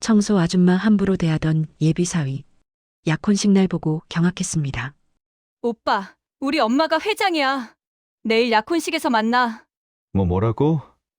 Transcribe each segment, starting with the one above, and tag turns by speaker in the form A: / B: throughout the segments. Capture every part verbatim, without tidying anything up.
A: 청소 아줌마 함부로 대하던 예비 사위. 약혼식 날 보고 경악했습니다.
B: 오빠, 우리 엄마가 회장이야. 내일 약혼식에서 만나.
C: 뭐 뭐라고?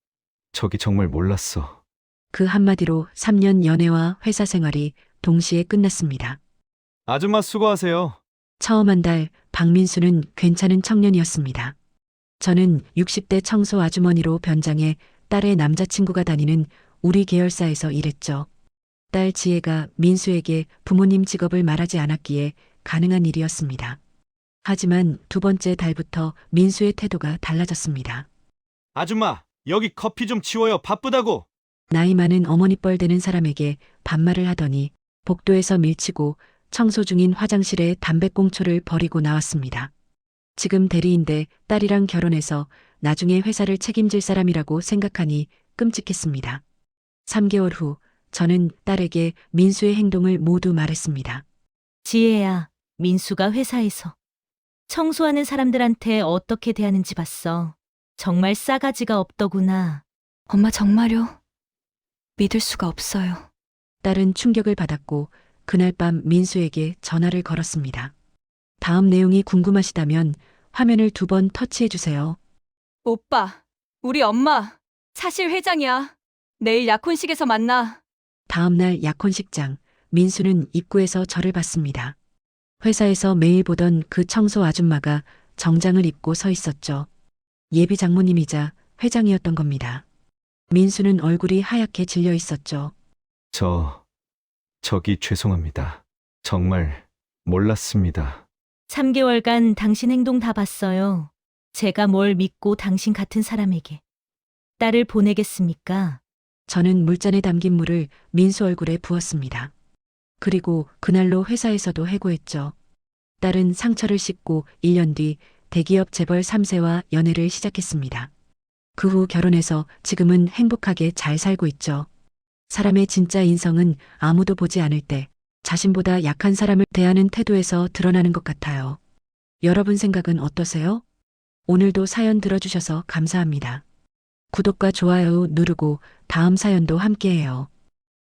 C: 저기 정말 몰랐어.
A: 그 한마디로 삼 년 연애와 회사 생활이 동시에 끝났습니다.
C: 아줌마 수고하세요.
A: 처음 한 달 박민수는 괜찮은 청년이었습니다. 저는 육십 대 청소 아주머니로 변장해 딸의 남자친구가 다니는 우리 계열사에서 일했죠. 딸 지혜가 민수에게 부모님 직업을 말하지 않았기에 가능한 일이었습니다. 하지만 두 번째 달부터 민수의 태도가 달라졌습니다.
C: 아줌마, 여기 커피 좀 치워요. 바쁘다고.
A: 나이 많은 어머니뻘 되는 사람에게 반말을 하더니 복도에서 밀치고 청소 중인 화장실에 담배꽁초를 버리고 나왔습니다. 지금 대리인데 딸이랑 결혼해서 나중에 회사를 책임질 사람이라고 생각하니 끔찍했습니다. 삼 개월 후 저는 딸에게 민수의 행동을 모두 말했습니다.
D: 지혜야, 민수가 회사에서 청소하는 사람들한테 어떻게 대하는지 봤어. 정말 싸가지가 없더구나.
B: 엄마 정말요? 믿을 수가 없어요.
A: 딸은 충격을 받았고 그날 밤 민수에게 전화를 걸었습니다. 다음 내용이 궁금하시다면 화면을 두 번 터치해 주세요.
B: 오빠, 우리 엄마 사실 회장이야. 내일 약혼식에서 만나.
A: 다음 날 약혼식장, 민수는 입구에서 저를 봤습니다. 회사에서 매일 보던 그 청소 아줌마가 정장을 입고 서 있었죠. 예비 장모님이자 회장이었던 겁니다. 민수는 얼굴이 하얗게 질려 있었죠.
C: 저, 저기 죄송합니다. 정말 몰랐습니다.
D: 삼 개월간 당신 행동 다 봤어요. 제가 뭘 믿고 당신 같은 사람에게 딸을 보내겠습니까?
A: 저는 물잔에 담긴 물을 민수 얼굴에 부었습니다. 그리고 그날로 회사에서도 해고했죠. 딸은 상처를 씻고 일 년 뒤 대기업 재벌 삼 세와 연애를 시작했습니다. 그 후 결혼해서 지금은 행복하게 잘 살고 있죠. 사람의 진짜 인성은 아무도 보지 않을 때 자신보다 약한 사람을 대하는 태도에서 드러나는 것 같아요. 여러분 생각은 어떠세요? 오늘도 사연 들어주셔서 감사합니다. 구독과 좋아요 누르고 다음 사연도 함께해요.